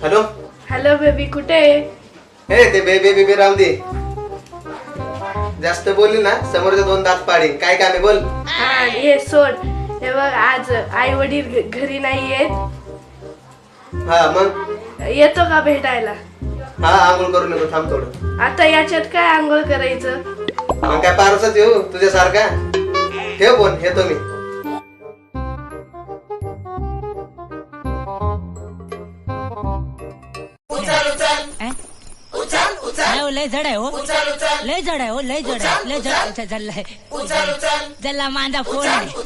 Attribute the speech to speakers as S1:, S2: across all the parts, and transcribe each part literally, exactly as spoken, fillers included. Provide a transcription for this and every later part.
S1: Hello
S2: hello baby, कुठे आहे?
S1: हे ते बेबी बेबी राहून दे. जास्त बोलली ना समोरचे दोन दात पाडीन. काय काम आहे बोल.
S2: हा ये सोड. हे बघ, आज आई वडील घरी नाही आहेत.
S1: हा मग
S2: येतो का भेटायला?
S1: हा आंघोळ करू नको, थांब थोडं.
S2: आता याच्यात काय आंघोळ करायचं?
S1: मग काय पारसच येऊ तुझ्यासारखा. ठेव फोन, येतो मी.
S3: लय जड आहे हो, लय जड आहे हो, लय जड आहे, लय जड चाललंय. जल्ला माझा फोन आहे.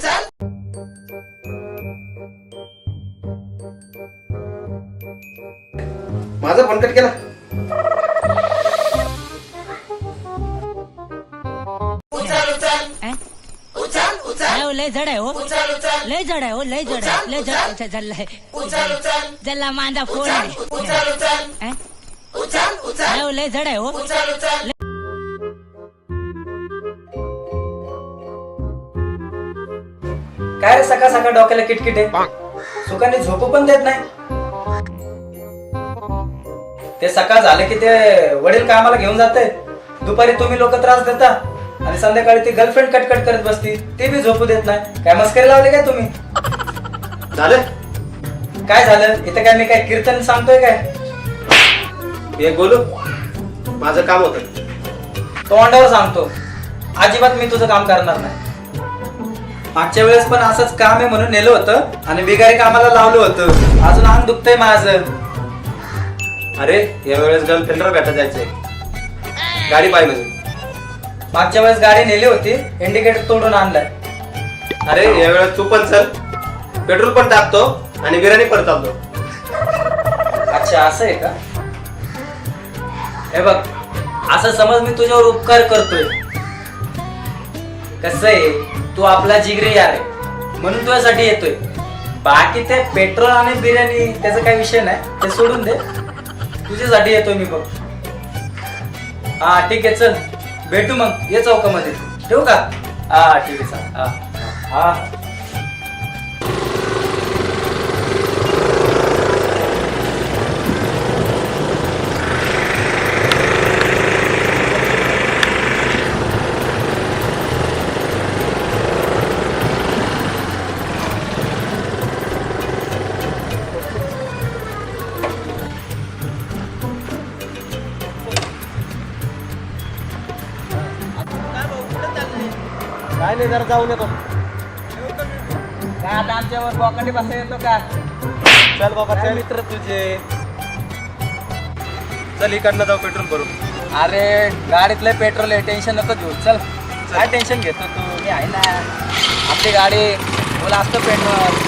S1: माझा फोन कट केला.
S3: लय जड आहे हो, लय जड आहे हो, लय जड आहे, लय जड चाललंय. जल्ला माझा फोन आहे. लय जड आहे हो.
S4: काय रे सकाळ सकाळ डोक्याला किटकिट आहे. सुखाने झोपू पण देत नाही. ते सकाळ झाले की ते वडील कामाला घेऊन जाते. दुपारी तुम्ही लोक त्रास देता आणि संध्याकाळी ती गर्लफ्रेंड कटकट करत बसती. ते बी झोपू देत नाही. काय मस्करी लावली काय तुम्ही?
S1: झालं
S4: काय झालं? इथं काय मी काय कीर्तन सांगतोय काय?
S1: एक बोलू, माझं काम होतं.
S4: तोंडावर सांगतो, अजिबात मी तुझं काम करणार नाही. मागच्या वेळेस पण असंच काम आहे म्हणून नेलं होतं आणि बिगारी कामाला लावलं होतं. अजून अंग दुखतंय माझं.
S1: अरे या वेळेस गर्लफ्रेंडला भेटा जायचंय. गाडी पाहिजे.
S4: मागच्या वेळेस गाडी नेली होती, इंडिकेटर तोडून आणलाय.
S1: अरे या वेळेस तू पण चल, पेट्रोल पण टाकतो आणि बिर्याणी पण आणतो.
S4: अच्छा असं आहे का? हे बघ, असं समज मी तुझ्यावर उपकार करतोय. कसं आहे, तू आपला जिगरी यार आहे म्हणून तुझ्यासाठी येतोय. बाकी ते पेट्रोल आणि बिर्याणी त्याचा काही विषय नाही, ते सोडून दे. तुझ्यासाठी येतोय मी बघ. हा ठीक आहे, चल भेटू मग, ये चौकामध्ये. ठेवू का? हा ठीक आहे, चल. हा हा
S1: काय नाही, जरा जाऊन येतो.
S4: काय आता आमच्यावर बॉकंडी बसा येतो का?
S1: चल बाबा
S4: काय
S1: चल.
S4: मित्र तुझे.
S1: चल इकडनं जाऊ पेट्रोल भरू.
S4: अरे गाडीतलं पेट्रोल आहे, टेन्शन नको घेऊ. चल, काय टेन्शन घेतो तू? मी आहे ना, आपली गाडी बोला असतं पेट्रोल.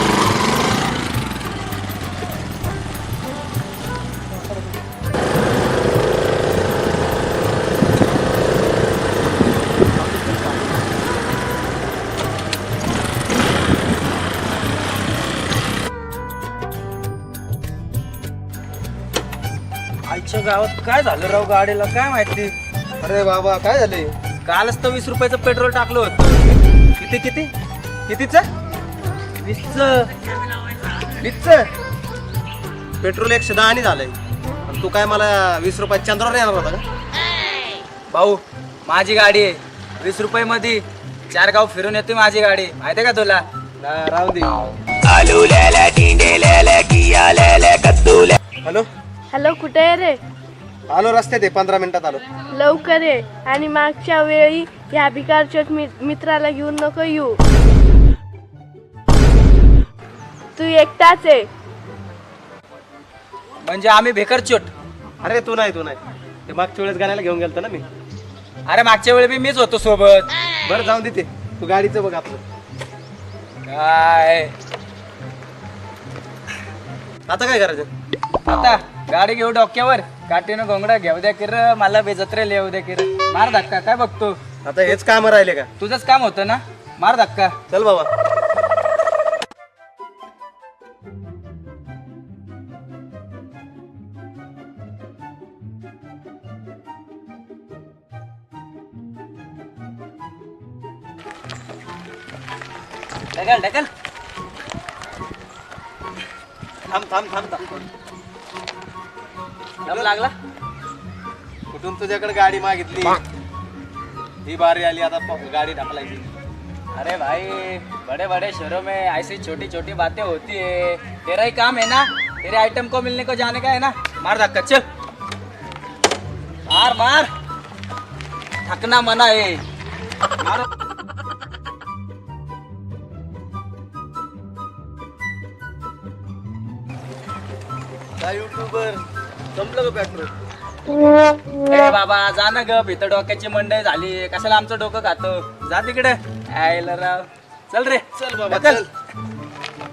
S4: आईच्या गावात काय झालं राव गाडीला, काय माहिती.
S1: अरे बाबा काय झाले?
S4: कालच तर वीस रुपयाचं पेट्रोल टाकलं होतं.
S1: किती किती कितीच
S4: वीसच.
S1: वीसच पेट्रोल एकशे दहा आणि झालंय. आणि तू काय मला वीस रुपयात चंद्रावर येणार होता का?
S4: भाऊ माझी गाडी आहे, वीस रुपये मध्ये चार गाव फिरून येते माझी गाडी, माहितीये का तुला?
S1: राहू दे. हॅलो
S2: हॅलो, कुठे आहे रे?
S1: आलो रस्त्यात आहे, पंधरा मिनिटात आलो.
S2: लवकर ये. आणि मागच्या वेळी या भिकारच्या मित्राला घेऊन नको येऊ. तू एकटाच आहे.
S4: म्हणजे आम्ही भेकरचोट?
S1: अरे तू नाही तू नाही ते मागच्या वेळेस गाण्याला घेऊन गेलतो ना मी.
S4: अरे मागच्या वेळी बी मीच होतो सोबत.
S1: बरं जाऊन देते, तू गाडीचं बघ आपलं.
S4: काय
S1: आता काय करायचं?
S4: आता गाडी घेऊ डोक्यावर, काठीनं घोंगडा घेऊ द्या किर, मला बेजत्रे लिहू द्या किर. मार धक्का. काय बघतो?
S1: आता हेच काम राहिले का?
S4: तुझंच काम होतं ना, मार धक्का.
S1: चल बाबा.
S4: ढकल ढकल.
S1: थांब थांब थांब थांब
S4: दम लागला.
S1: कुठून तुझ्याकडे गाडी मागितली ही बारी आली आता प- गाडी ढकलायची.
S4: अरे भाई बड़े बड़े शहरों में ऐसी छोटी छोटी बातें होती है. तेरा ही काम है ना, तेरे आइटम को मिलने को जाने का है ना. मार धक्का चल, मार मार, थकना मना है. मार.
S1: काय युट्यूबर संपलं का पेट्रोल?
S4: ए बाबा जा ना ग, इथं डोक्याची मंडई झाली, कशाला आमचं डोकं खातो. जा तिकडे. आयला राव, चल रे
S1: चल बाबा
S4: ढकल.
S1: चल.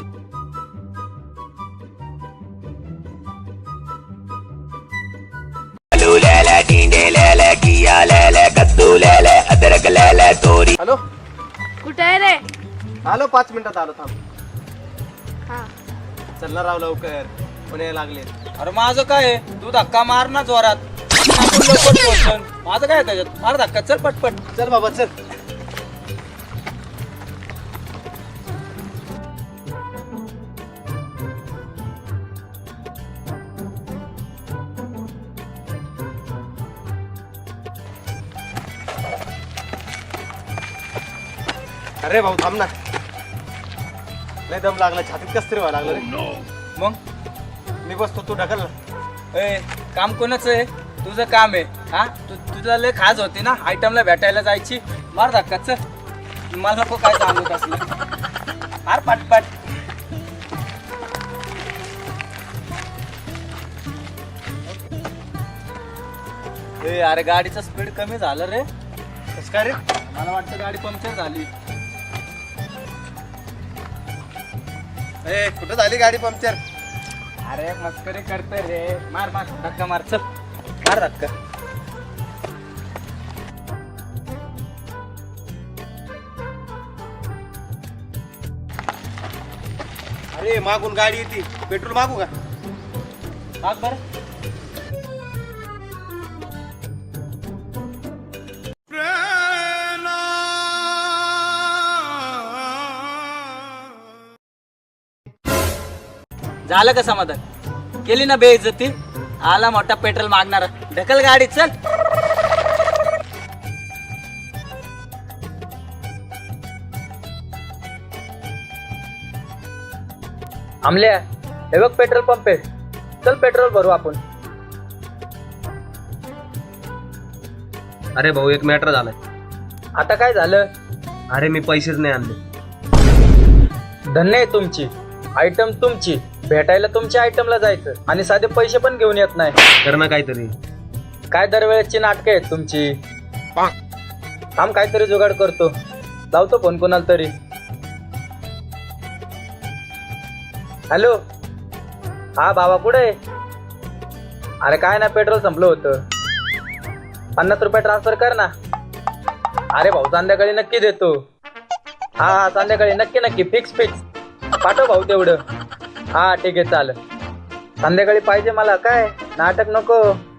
S1: हॅलो,
S2: कुठे आहे रे?
S1: आलो पाच मिनिटात आलो. थांब.
S2: हा.
S1: चल ना राव लवकर, पुणे लागले.
S4: अरे माझं काय आहे? तू धक्का मार ना जोरात. आपण लवकर पोहोचन. माझं काय आहे त्याच्यात? मार धक्का, चल पटपट.
S1: चल बाबा चल. अरे भाऊ थांब ना, लय दम लागला, छातीत कस तरी व्हायला लागलं रे.
S4: मग
S1: मी बसतो, तू ढकल ना.
S4: ए काम कोणाचं आहे? तुझं काम आहे. हा तू तुझा लय खाज होती ना आयटमला भेटायला जायची. मार धक्का चल. मला नको काय सांगू असलं. मार पटपट. ए अरे गाडीचं स्पीड कमी झालं रे.
S1: कसं काय रे?
S4: मला वाटतं गाडी पंक्चर झाली.
S1: ए कुठं झाली गाडी पंक्चर?
S4: अरे मस्करी करते रे. मार मार धक्का मार चल. मार धक्का.
S1: अरे मागून गाडी येते, पेट्रोल मागू का?
S4: माग बर. झालं का समाधान? केली ना बेइज्जती. आला मोठा पेट्रोल मागणारा. ढकल गाडी चल. आमल्या हे बघ पेट्रोल पंप आहे. चल पेट्रोल भरू आपण.
S1: अरे भाऊ एक मॅटर झालाय.
S4: आता काय झालं?
S1: अरे मी पैसेच नाही आणले.
S4: धन्य आहे तुमची. आयटम तुमची, भेटायला तुमच्या आयटमला जायचं आणि साधे पैसे पण घेऊन येत नाही.
S1: कर ना काहीतरी.
S4: काय दरवेळेची नाटकं आहेत तुमची. थांब काहीतरी जुगाड करतो. लावतो फोन कोणाला तरी. हॅलो, हा भावा कुठे आहे? अरे काय ना पेट्रोल संपलं होतं. पन्नास रुपये ट्रान्सफर कर ना. अरे भाऊ संध्याकाळी नक्की देतो. हा हा संध्याकाळी नक्की नक्की फिक्स फिक्स पाठव भाऊ तेवढं. हा ठीक आहे चालेल. संध्याकाळी पाहिजे मला. काय नाटक नको.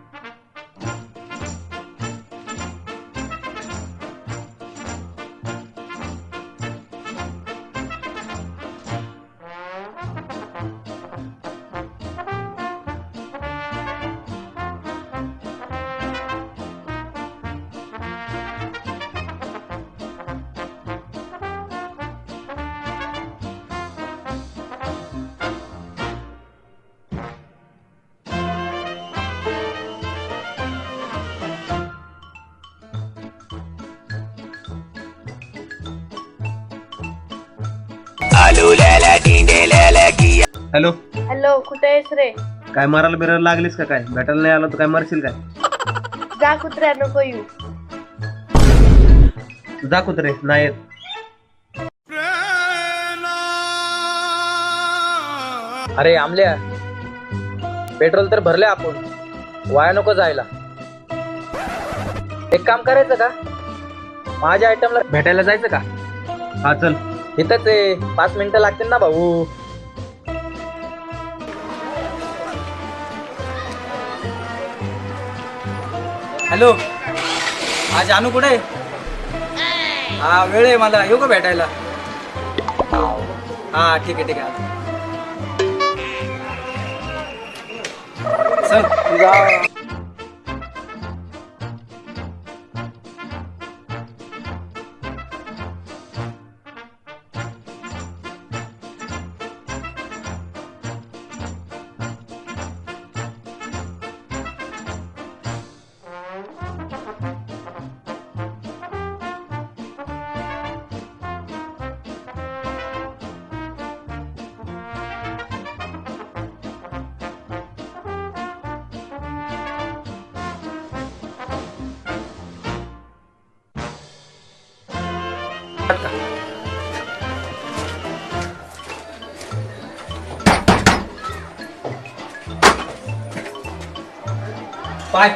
S1: हॅलो,
S2: हॅलो, कुठे आहेस रे?
S1: काय मारायला बिरायला लागलीस का? काय भेटायला नाही आलो तर काय मारशील काय?
S2: जा कुत्र्या, नको येऊ.
S1: जा कुत्रे नाही येत.
S4: अरे आमल्या पेट्रोल तर भरले आपण. वाया नको जायला. एक काम करायचं का? माझ्या आयटमला भेटायला जायचं का?
S1: हा चल.
S4: इथंच आहे. पाच मिनिटं लागतील ना भाऊ. हॅलो, हा जानू कुठे आहे? हा वेळ आहे मला. येऊ का भेटायला? हा ठीक आहे ठीक आहे. चल पाय.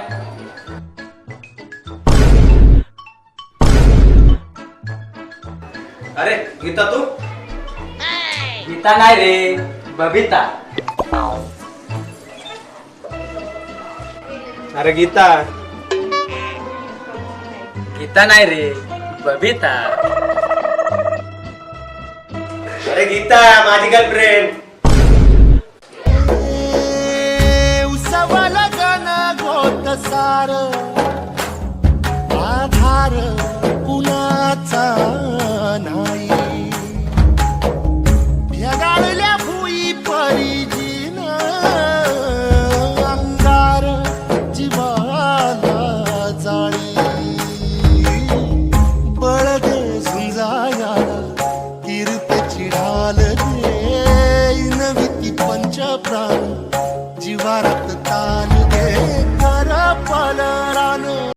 S1: अरे गीता तू
S4: गीता नाही रे, बबिता.
S1: अरे गीता
S4: गीता नाही रे, बबिता.
S1: अरे गीता माझी गर्लफ्रेंड.
S5: उसवाला गाणं गोत सार